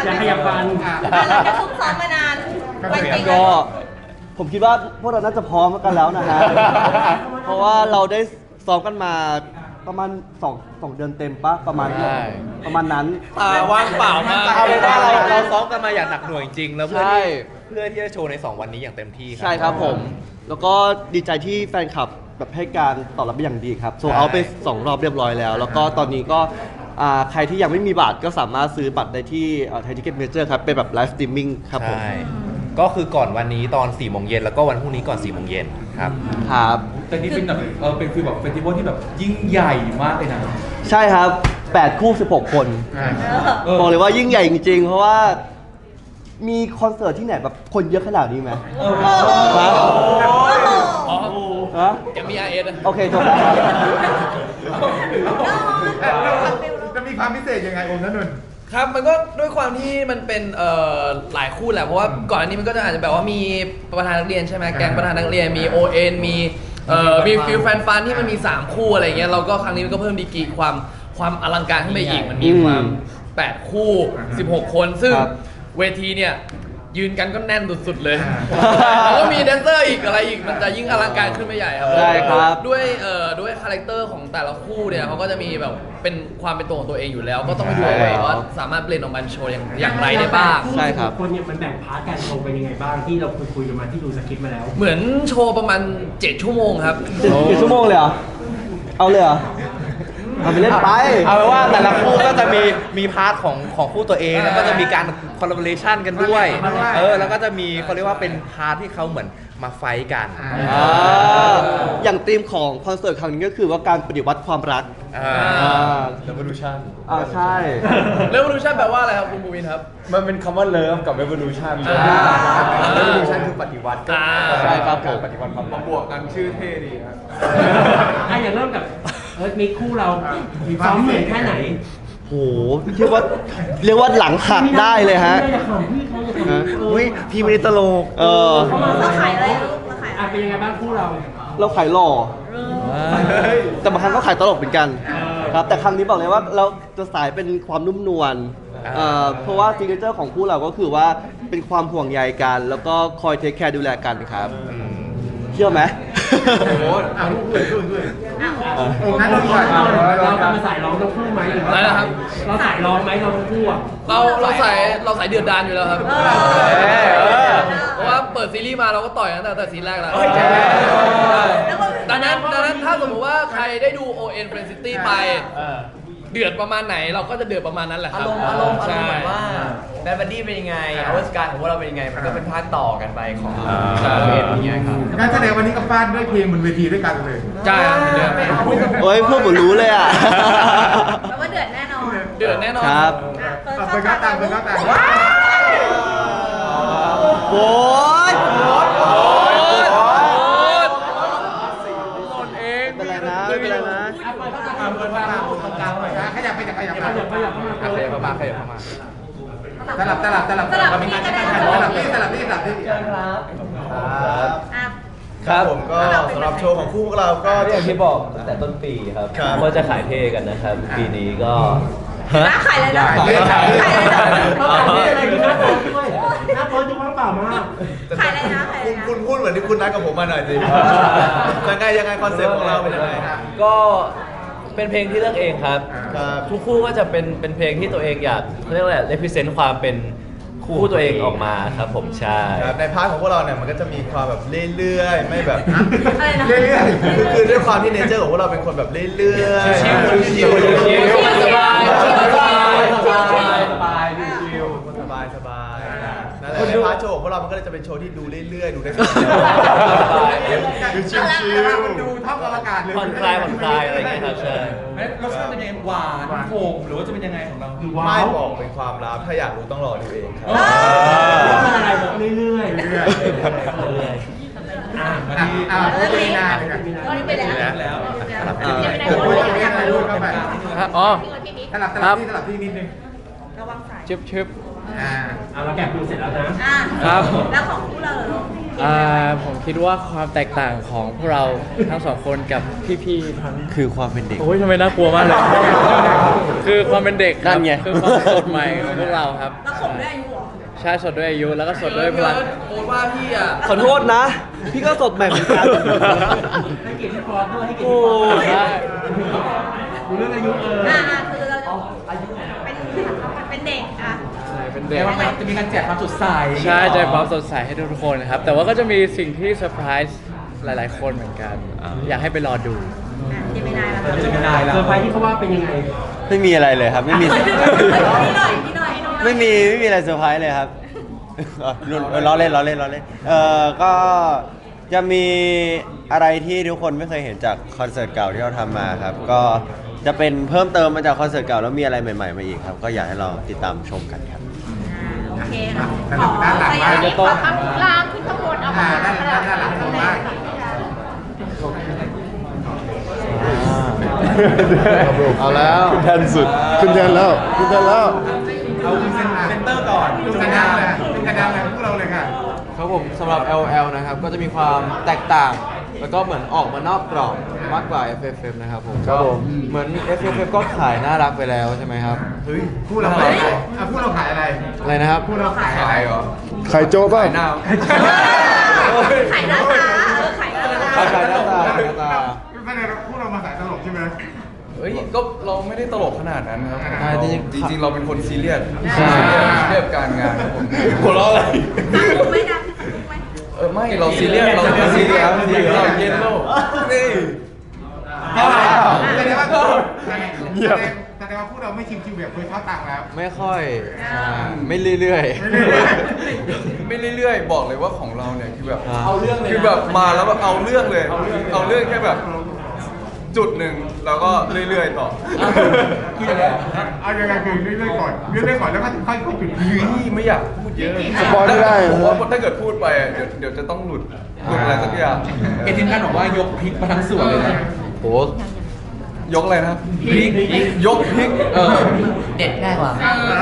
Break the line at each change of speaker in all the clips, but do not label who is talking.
จะขยับฟัน
เราจะซุ่มซ้อมมานานวันจริง
ก็ผมคิดว่าพวกเราน่าจะพร้อมกันแล้วนะฮะ เพราะว่าเราได้ซ้อมกันมาประมาณ2 เดือนเต็มปะประมาณนั้น
ว่างเปล่ามากเอาเป็นว่าเราซ้อมกันมาอย่างหนักหน่วงจริงๆแล้วเพื่อที่จะโชว์ใน2วันนี้อย่างเต็มที่ครับ
ใช่ครับผม แล้วก็ดีใจที่แฟนคลับแบบให้การตอบรับเป็นอย่างดีครับโซเอาไป2 รอบเรียบร้อยแล้วแล้วก็ตอนนี้ก็ใครที่ยังไม่มีบัตรก็สามารถซื้อบัตรได้ที่ไทยทิเก็ตเมเจอร์ครับเป็นแบบไลฟ์สตรีมมิ่งครับผม
ก็คือก่อนวันนี้ตอน4 โมงเย็นแล้วก็วันพรุ่งนี้ก่อน4 โมงเย็นครับ
แต่นี่เป็นแบบเป็นคือแบบเฟสติวัลที่แบบยิ่งใหญ่มากเลยนะ
ใช่ครับ8 คู่ 16 คนบอกเลยว่ายิ่งใหญ่จริงๆเพราะว่ามีคอนเสิร์ตที่ไหนแบบคนเยอะขนาดนี้ไหมฮะ
MBRS
โอเคจบแล้ว
จะมีความพิเศษยังไงองค์นั้นนน
ครับมันก็ด้วยความที่มันเป็นหลายคู่แหละเพราะว่าก่อนอันนี้มันก็จะอาจจะแบบว่ามีประธานนักเรียนใช่ไหมแก๊งประธานนักเรียนมี ON มีฟิลแฟนฟันที่มันมี3คู่อะไรเงี้ยเราก็ครั้งนี้มันก็เพิ่มดีกรีความอลังการขึ้นไปอีกมันมีความ8 คู่16 คนซึ่งเวทีเนี่ยยืนกันก็แน่นสุดๆเลยแล้วก็มีแดนเซอร์อีกอะไรอีกมันจะยิ่งอลังการขึ้นไปใหญ่ครับ
ใช่ครับ
ด้วยคาแรคเตอร์ของแต่ละคู่เนี่ยเขาก็จะมีแบบเป็นความเป็นตัวของตัวเองอยู่แล้ว ก็ต้องไปดูว่าสามารถเปลี่ยนออกมาโชว์อย่างไรได้บ้าง
ใช่ครับ
คนเนี่ยมันแบ่งพาร์ทการโชว์เป็นยังไงบ้างที่เราคุยกันมาที่ดูสคริปต์มาแล้ว
เหมือนโชว์ประมาณ7 ชั่วโมงครับ
7 ชั่วโมงเลยเหรอเอาเลยเหรอเอาไปเล่นไป
เอาเป็นว่าแต่ละคู่ก็จะมีพาร์ทของคู่ตัวเองแล้วก็จะมีการคอลลาบอเรชันกันด้วยแล้วก็จะมีเขาเรียกว่าเป็นพาร์ทที่เขาเหมือนมาไฟท์กัน
อย่างธีมของคอนเสิร์ตครั้งนี้ก็คือว่าการปฏิวัติความรัก
Revolution
ใช่
Revolution แปลว่าอะไรครับคุณบูวินครับ
มันเป็นคำว่าเลิฟกับ Revolution Revolution คือปฏิวัติ
ใช่ครับผม
ปฏิวัติความบวกกันชื่อเท่ดีครับ
อย่างเริ่มกับมีคู่เราซ้อมเหนื่อยแค่ไหน
โหเรียกว่าหลังหักได้เลยฮะ
พี่ไม่ได้ตลก
เราขายอะไรเราขาย
เป็นยังไงบ้างคู่
เราขายหล่อแต่บางครั้งก็ขายตลกเหมือนกันครับแต่ครั้งนี้บอกเลยว่าเราจะสายเป็นความนุ่มนวลเพราะว่าซิกเนเจอร์ของคู่เราก็คือว่าเป็นความห่วงใยกันแล้วก็คอยเทคแคร์ดูแลกันครับเชื่อไหม
โอ้โหองค์นั้นเรา
จะมาสายร้องทั้งคู่ไหมหรือว่าเราสายร้องไหมเราทั้งคู่
เราสายเดือดดานอยู่แล้วครับเพราะว่าเปิดซีรีส์มาเราก็ต่อยตั้งแต่ซีรีส์แรกแล้วดังนั้นถ้าสมมติว่าใครได้ดู ON Friend City ไปเดือดประมาณไหนเราก็จะเดือดประมาณนั้นแหละครับ
อารมณ์เหมือนว่าแบดบัดดี้เป็นยังไงอวสการของพวกเราเป็นยังไงมันก็เป็นภาคต่อกันไปของเราเองอย่างเงี้ยครับ
การแสดงวันนี้ก็ฟาดด้วยเพลงบนเวทีด้วยกันเลย
ใช่
โอ้ยพวกผมรู้เลยอ่ะ
แปลว่าเดือดแน่นอน
ครับ
เป็นก้าวต่าง
โอ้ยเป็นไรนะ
ขยับเข้ามาสลับ
ครับผมก็สำหรับโชว์ของคู่พวกเราก็อย่างที่บอกตั้งแต่ต้นปีครับว่าจะขายเท่กันนะครับปีนี้ก็
ขายอะไรนะ
ขายอะไรกินหน้าโป๊ด้วยหน้าโป๊ดูว่างเปล่ามาก
ขายอะไรนะ
คุณพูดเหมือนที่คุณนัดกับผมมาหน่อยสิยังไงคอนเซ็ปต์ของเราเป็นยังไงก็เป็นเพลงที่เลือกเองครับทุกคู่ก็จะเป็นเพลงที่ตัวเองอยากเรียกว่าอะไร represent ความเป็นคู่ตัวเองออกมาครับผมใช่ในพาร์ทของพวกเราเนี่ยมันก็จะมีความแบบเรื่อยๆไม่แบบเรื่อยๆคือด้วยความที่เนเจอร์ของพวกเราเป็นคนแบบเรื่อยๆชิลสบายนั่นแหละในพาร์ทโชว์ของพวกเรามันก็เลยจะเป็นโชว์ที่ดูเรื่อยๆดูได้สบายดูชิล
ๆดูท่องอากาศเลย
ผ่อนคลายอะไรอย่างเงี้ยครับใช่
รสชาติเป็นยังไงหวานโขมหรือว่าจะเป็นยังไงของเรา
ไม่บอกเป็นความลับถ้าอยากรู้ต้องรอดูเองครับ
มันอะไรแบบเรื่อยๆ
เรื่องนี้
ไปแล้ว
สลับที่นิดนึง
ชึบ
เราแกะปูเสร็จแล้วนะ
ครับ
แล้วของคู่เราเหรอ
ผมคิดว่าความแตกต่างของพวกเราทั้งสองคนกับพี่ๆทั้ง
คือความเป็นเด็ก
โอ้ยทำไมน่ากลัวมากเลย คือความเป็นเด็กค
นั่
รับ
นไง
คือความสดใหม่ของพวกเราครับ
แล้วผมด้วยอายุเหรอ
ใช่สดด้วยอายุแล้วก็สดด้วยพลัง
โค้ดว่าพี่อ่ะ
ขอโทษนะ พี่ก็สดใหม่เหมือนกัน
ให้เกียรติพี่ฟอสด้วยให้เกียรติ
โอ้
พี่ฟอส
ใช่
ดูเรื่องอายุ
คือเราจะเป็นเด็กอ่ะ
เป็นเด็ก
แต่ว่ามันจะมีการแจกความสดใส
ใช่ใจความสดใสให้ทุกคนนะครับ แต่ว่าก็จะมีสิ่งที่เซอร์ไพรส์หลาย ๆ คนเหมือนกัน อยากให้ไปรอดู
เจมินายแล้ว
จะไม่ได้แล้ว
เซอร์ไพรส์ที่เขาว่าเป็นยังไง
ไม่มีอะไรเลยครับ ไม่มี
พี่หน่อย
ไม่มีอะไรเซอร์ไพรส์เลยครับล้อเล่นก็จะมีอะไรที่ทุกคนไม่เคยเห็นจากคอนเสิร์ตเก่าที่เราทำมาครับ ก็จะเป็นเพิ่มเติมมาจากคอนเสิร์ตเก่าแล้วมีอะไรใหม่ๆมาอีกครับ ก็อยากให้ลองติดตามชมกันครับ
โอเคค่ะ
ด้านหลังบ้าง
ขอข้างล่างขึ้นข้างบนเอามา
ด้านหลังผมบ้าง
เอาแล้วขึ้นแทนสุดขึ้นแทนแล้ว
เอาคุณเซนเตอร์ก่อนดูกระดานเลยเป็นกระดานเลยพวกเราเลยค่ะ
ครับผมสำหรับ LL นะครับก็จะมีความแตกต่าง แล้วก็เหมือนออกมานอกกรอบมากกว่า FFF นะครับผม
ครับผม
เหมือน FFF ก็ขายน่ารักไปแล้วใช่ไหมครับ
เฮ้ยคู่เราขายอะไรคู่เราขายอะไร
อะไรนะครับ
คู่เราขายอะไรเหรอ
ไข่โจ๊กป่ะ
ขายหน้า
ไข่หน้าตาไข่หน้าตา
ขายหน้าตาขายหน้าตา
ไม่ได้คู่เรามาขายตลกใช่ไหม
เฮ้ยก็เราไม่ได้ตลกขนาดนั้นครับ
ใช่จริง
จริงๆเราเป็นคนซีเรียส
ใช่
ซีเรียสกับการงานครับผมหัวเราะอะไร
ถูกไหมนะถูกไหม
ไม่เราซีเรียสเราซีเรียสเราเย็นโลกนี่
แสดงว่าแสดงว่าคู่เราไม่ชิวๆแบบเคยเข้าตังแล้ว
ไม่ค่อยไม่เรื่อย
ไม่เรื่อยๆบอกเลยว่าของเราเนี่ยคือแบบ
เอาเรื่องเลย
คือแบบมาแล้วแบบเอาเรื่องเลย เอาเรื่องแค่แบบจุดหนึ่งแล้วก็เรื่อยๆต่อ
คือยังไงเอายังไงคือเรื่อยๆก่อนแล้วก็ค่อยๆจุดยืน
นี่ไม่อยากพูดเยอะ
สปอยไม่ได้
ผมว่าถ้าเกิดพูดไปอะเดี๋ยวจะต้องหลุดอะไรสักอย่าง
เอทีมกันบอกว่ายกพริกมาทั้งส่วนเลยนะ
ๆโห
ยกอะไรนะครับพริกยกพริก
เด็ดง่ายกว่า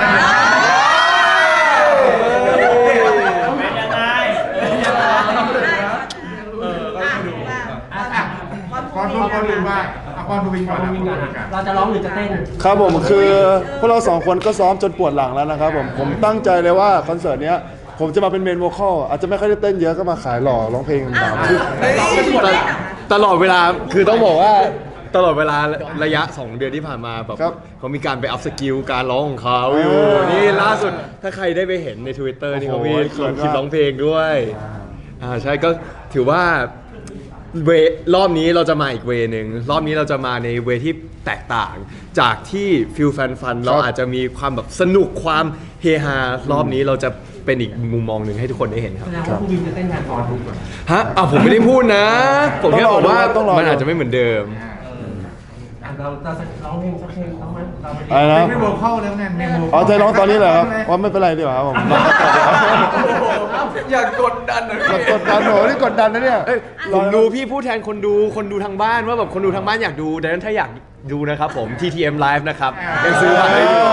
ก่อนดูว่าก่อนดูวินก่อน
เราจะร้องหรือจะเต้น
ครับผมคือพวกเราสองคนก็ซ้อมจนปวดหลังแล้วนะครับผมตั้งใจเลยว่าคอนเสิร์ตเนี้ยผมจะมาเป็นเมนโวคอลอาจจะไม่ค่อยได้เต้นเยอะก็มาขายหล่อร้องเพลงตามตลอดเวลาคือต้องบอกว่าตลอดเวลาระยะ 2 เดือนที่ผ่านมาแบบเขามีการไปอัพสกิลการร้องของเขาอยู่นี่ล่าสุดถ้าใครได้ไปเห็นใน Twitter นี่เขามีลงคลิปร้องเพลงด้วยใช่ก็ถือว่าเวรอบนี้เราจะมาอีกเวนึงรอบนี้เราจะมาในเวที่แตกต่างจากที่ฟิลแฟนฟันเราอาจจะมีความแบบสนุกความเฮฮารอบนี้เราจะเป็นอีกมุมมองหนึ่งให้ทุกคนได้เห็นครับ
แสดงว่าผู้วินจะเต้นแทนฟอสดูก่อน
ฮะ
ผมไม่ได้พูดนะ ผมแค่บอกว่า
ต้องรอ
มันอาจจะไม่เหมือนเดิม
เราร้องเพลงสักเพลงต้องไหมเราไป
อะไรนะ
ไม่โวเข้าแล้วไงเมโม
อ๋อใจร้องตอนนี้เหรอครับว่าไม่เป็นไรดีกว่าครับผมร้องต่อดีกว่า
อย่ากดดันนะ
กดดันโหนี่กดดันนะเนี่ย
ผมดูพี่พูดแทนคนดูทางบ้านว่าแบบคนดูทางบ้านอยากดูดังนั้นถ้าอยากดูนะครับผม TTM Live นะครับยังซื้อบัตรได้อยู่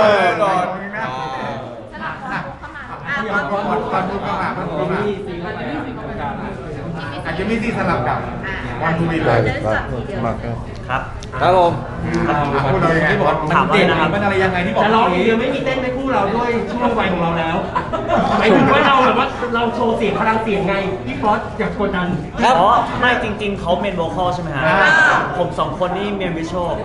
ก่อนดูเข้ามาอาจจะมีที่สลับกับวันทูวินเลย
ครับผม
พูดเรายังไง
ถามว่ามันอะไรยังไงที่บอก
จะร้องอย่างเดียวไม่มีเต้นในคู่เราด้วยช่วงวัยของเราแล้วหมายถึงว่าเราแบบว่าเราโชว์เสียงพลังเสียงไงพี่ฟอสอยากกดดัน
อ๋อไม่จริง ๆ เขาเมนโวคอลใช่ไหมฮะ ผมสองคนนี่เมนวิชวล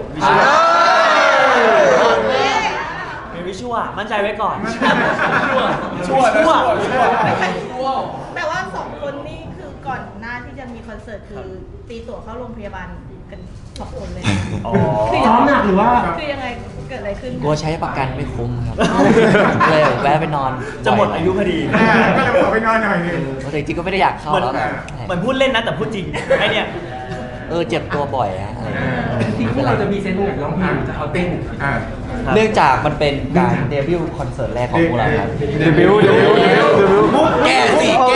เมนวิชวลมั่นใจไว้ก่อน
ชั่ว
แปลว่าสองคนนี่คือก่อนหน้าที่จะมีคอนเสิร์ตคือตีตั๋วเข้าโรงพยาบาลกันสองคนเลย
อ๋อ
ซ้อมหนักหรือว่า
คือยังไงเกิดอะไรขึ้น
กลัวใช้ประกันไม่คุ้มครับ เลยแวะไปนอน จะหมดอายุพอดี
ก็เลยขอไปนอนหน่อยนึง
แต่จริงๆก็ไม่ได้อยากเข้าแล้วเหมือนพูดเล่นนะแต่พูดจริงไอเนี่ยเจ็บตัวบ่อยฮะอะไรอย่างเงี้ย
ที่คู่เราจะมีเซนต์ไหนร้องเพลงจะเอาเต้น
เนื่องจากมันเป็นการเดบิวต์คอนเสิร์ตแรกของพวกเราครับ
เดบิวต์
แก้สิ
โอเค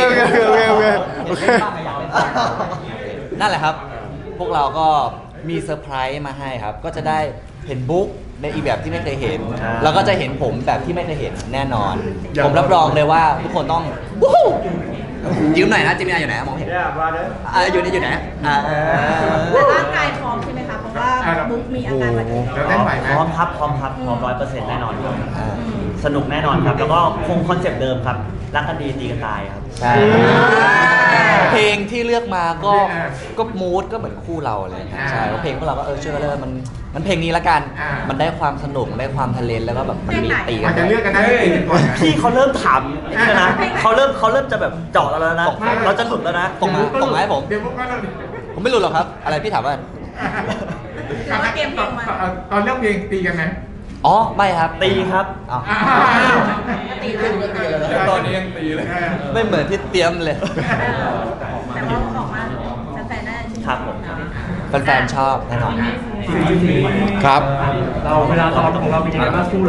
นั่นแหละครับ พวกเราก็มีเซอร์ไพรส์มาให้ครับ ก็จะได้เห็นบุ๊กในอีกแบบที่ไม่เคยเห็น แล้วก็จะเห็นผมแบบที่ไม่เคยเห็นแน่นอน ผมรับรองเลยว่าทุกคนต้องวู้ฮู้ยืมหน่อยนะจิมินาอยู่ไหนมองเห็นอยู่นี่อยู่ไหน
แต่ร่างกายพร้อมใช่ไหมคะเพราะว่าบุ๊กมีอาการบาดเจ็บ
แล้วเต้นไหวไหม
พร้อมครับพร้อมครับพร้อม100%แน่นอนครับสนุกแน่นอนครับ แล้วก็คงคอนเซปต์เดิมครับรักกันดีตีกันตายครับ
ใช่เพลงที่เลือกมาก็มูดก็เหมือนคู่เราเลยใช่เพลงพวกเราก็ช่วยกันเลยมันเพลงนี้ละกันมันได้ความสนุกได้ความทะเลนแล้วก็แบบมันมีตีกัน
จะเลือกกันได้ไม่ติดก่อน
พี่เขาเริ่มถามนี่แล้วนะเขาเริ่มจะแบบเจาะเราแล้วนะ เราจะหลุดแล้วนะ
ส่งมาให้ผม
เดี๋ยวพวกเรา
ผมไม่รู้หรอกครับ อะไรพี่ถามว่า
แต่ว่าเตรียมเพลงมา
ตอนเลือกเพลงตีกันไหม
อ๋อไม่ครับ
ตีครับ
อ้าว
ตีแล้ว
ตอนนี้ยังตีเลย
ไม่เหมือนที่เตรียมเลย
แต่ว่าออกมาแฟนๆน่าจะชื่นช
ครับผม
แฟนๆชอบแน่นอน
ครับ
เราเวลาซ้อมของเราเป็นยังไงบ้างคู่เรา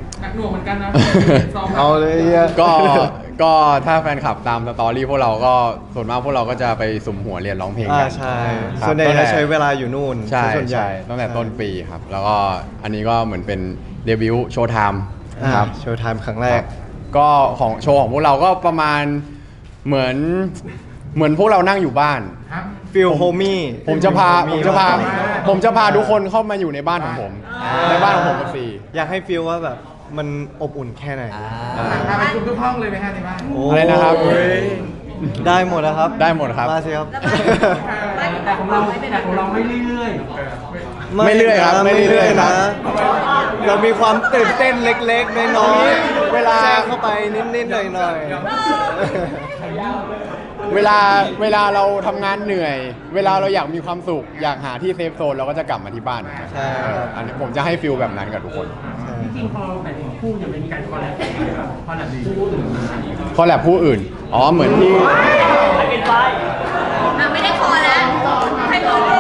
เอาเลยเหี้ย
ก็ถ้าแฟนคลับตามสตอรี่พวกเราก็ส่วนมากพวกเราก็จะไปสุ่มหัวเรียนร้องเพลงกัน
ใช่
ครับ
ส่วนใหญ่จะใช้เวลาอยู่นู่น
ใช่
ส่วนใหญ่
ใช่ตั้งแต่ต้นปีครับ แล้วก็อันนี้ก็เหมือนเป็นเดบิวต์โชว์ไทม์
ครับ โชว์ไทม์ครั้งแรก
ก็ของโชว์ของพวกเราก็ประมาณเหมือนพวกเรานั่งอยู่บ้าน
ฟิลโฮมี่
ผมจะพาทุกคนเข้ามาอยู่ในบ้านของผม ในบ้านของผมกับซี
อยากให้ฟิลว่าแบบมันอบอุ่นแค่ไหน
พาไปคุมทุกห้องเลยไหมฮะในบ้าน
อะไรนะครับ
ได้หมดนะครับ
ได้หมดครับ
มาสิครับ
แต่ของเราไม่เรื่อย
ไม่เรื่อยครับไม่เรื่อยครับ
เรามีความตื่นเต้นเล็กๆน้อยๆ
เวลา
แทรกเข้าไปนิดๆหน่อย
เวลาเราทำงานเหนื่อย เวลาเราอยากมีความสุข อยากหาที่เซฟโซนเราก็จะกลับมาที่บ้าน
ใช่ครับ
อันนี้ผมจะให้ฟิลแบบนั้นกับทุกคน
ๆจริงๆพอแบบของคู่เนี่ยมันมีการคอลแลบคอลแลบคู่อื่น
คอลแลบผู้อื่น อ๋อ เหมือนที่
ไม่ได้คอแล้วให้บอกเลย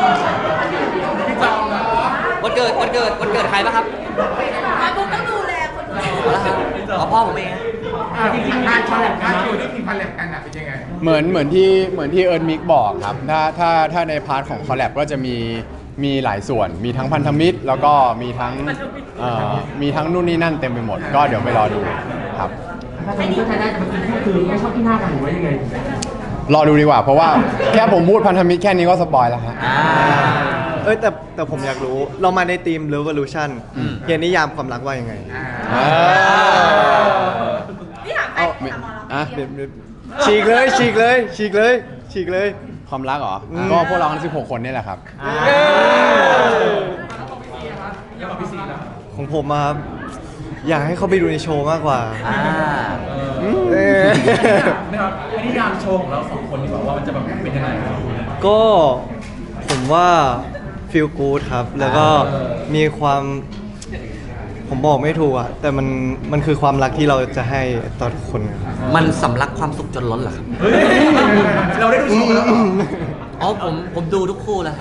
วันเกิดใครป่ะครับ
บุ๊กต้องดูแลคนอื่น
เอาละครับเอาพ่อผมเอง
จริงๆงานคอลแลบกัน
งาน
เนาะ
โชว์ที่ทีมคอลแลบกันเป็นยังไง
เหมือนที่เอิร์นมิกบอกครับ ถ้าในพาร์ทของคอลแลบก็จะมีหลายส่วน มีทั้งพันธมิตร แล้วก็มีทั้งนู่นนี่นั่นเต็มไปหมด ก็เดี๋ยวไปรอดูครับ
ถ้าคนนี้ก็ใช้ได้แต่บางทีก็คือไม่ชอบที่หน้ากันหรือว่ายังไง
รอดูดีกว่า เพราะว่าแค่ผมพูดพันธมิตรแค่นี้ก็สปอยแล้วฮะ
เอ้ยแต่ผมอยากรู้ เรามาในทีม Revolution เฮียนิยามความรักว่ายังไง
นี่ถามใคร
เอา
ถามหมอเรา
อ่ะ
ฉีกเลย
ความรักเหรอ ก็พวกเราทั้ง16 คนนี่แหละครับ
ของผมอะครับอยากให้เขาไปดูในโชว์มากกว่า
นะครับนิยามโชว์ของเรา2 คนที่บอกว่ามันจะแบบเป็นยังไงครับ
ก็ผมว่าฟีลกู๊ดครับ แล้วก็มีความผมบอกไม่ถูกอะแต่มันคือความรักที่เราจะให้ต่อทุกคนครับ
มันสำลักความสุขจนล้นเหรอครับ
เราได้ดูโชว์แล้วเหรอ
อ๋อผมดูทุกคู่แล้ว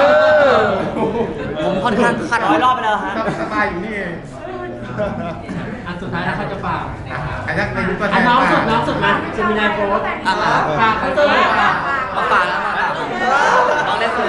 ผมค่อนข้างคาด
100 รอบไปแล้วฮะ
สบายอยู่นี่เอง
อันสุดท้ายแล้วเขาจะฝาก
อันนั้นในยุคตัวแท
อัน
น
น้องสุดนะเซมินายโพสฝากเขาเจอ
มาป่าแล้วน้องเล่นสุดเลย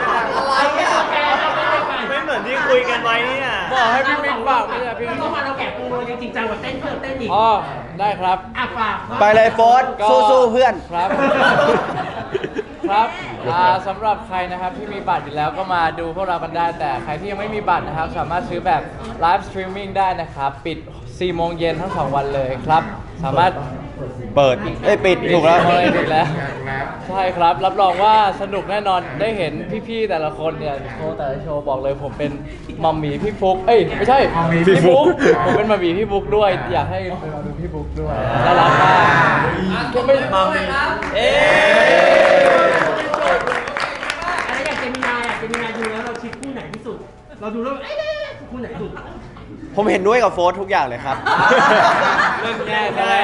ไม่เหมือนที่คุยกันไว้เนี่ย
บอกให้พี่ปิ๊กฝากไม่ใช่พี่
เข้ามาเราแกะปูจริงจังกว่าเต้นเพิ่มเต้นอีก
อ๋อ ได้ครับ
ฝาก
ไปเลยโฟส
ก็
สู้ๆเพื่อน
ครับ ครับสำหรับใครนะครับที่มีบัตรอยู่แล้วก็มาดูพวกเรากันได้ แต่ใครที่ยังไม่มีบัตรนะครับ สามารถซื้อแบบไลฟ์สตรีมมิ่งได้นะครับ ปิด 4 โมงเย็นทั้ง 2 วันเลยครับ สามารถ
เปิด ปิดถูกแล้ว
ปิดแล้ว ใช่ครับ รับรองว่าสนุกแน่นอน ได้เห็นพี่ๆแต่ละคนเนี่ยโชว์แต่ละโชว์บอกเลยผมเป็นมัมหมี่พี่ฟุก เอ้ยไม่ใช่พี่ฟุกผมเป็นมัมหมี่พี่ฟุกด้วย อยากให้ไปมาดูพี่ฟุกด้วยน่ารักมากก็ไม่มัมหมี่
อะไรอย่างเจมินายดูแล้วเราคิดคู่ไหนที่สุด เราดูแล้วคู่ไหนสุด
ผมเห็นด้วยกับโฟสทุกอย่างเลยครับ
เริ่มแย่แล้ว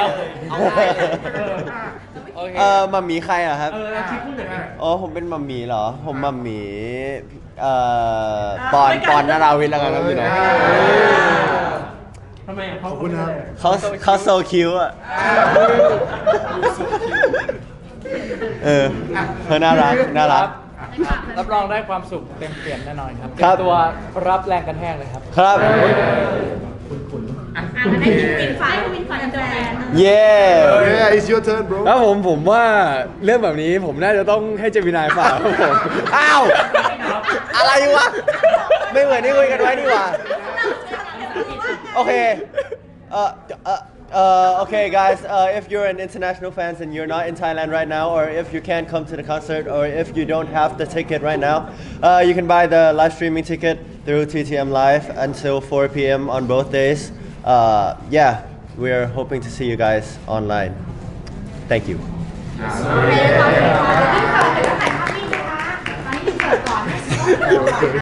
โอเค
มัมหมีใครอะครับ
เราคิดคู่ไหน
อ๋อ ผมเป็นมัมหมีเหรอ ผมมัมหมีปอนนาราวิทย์แล้วกันครับพี่น้อง
ทำไมขอบ
คุณครับ
เขาโซคิวอะเขาน่ารัก
รับรองได้ความสุขเต็มเปี่ยมแน่นอนครับ
ครับ
เตรียมตัวรับแรงกระแทกเลยครับ
ครับ
อ่ะงั้นให้วินฝากแฟน
Yeah it's your turn bro
แล้วผมว่าเรื่องแบบนี้ผมน่าจะต้องให้เจมินายฝากครับผม
อ้าว อะไรวะ ไม่เหมือนที่คุยกันไว้นี่หว่า โอเค okay guys if you're an international fans and you're not in Thailand right now or if you can't come to the concert or if you don't have the ticket right now you can buy the live streaming ticket through TTM Live until 4 p.m. on both days yeah we're hoping to see you guys online thank you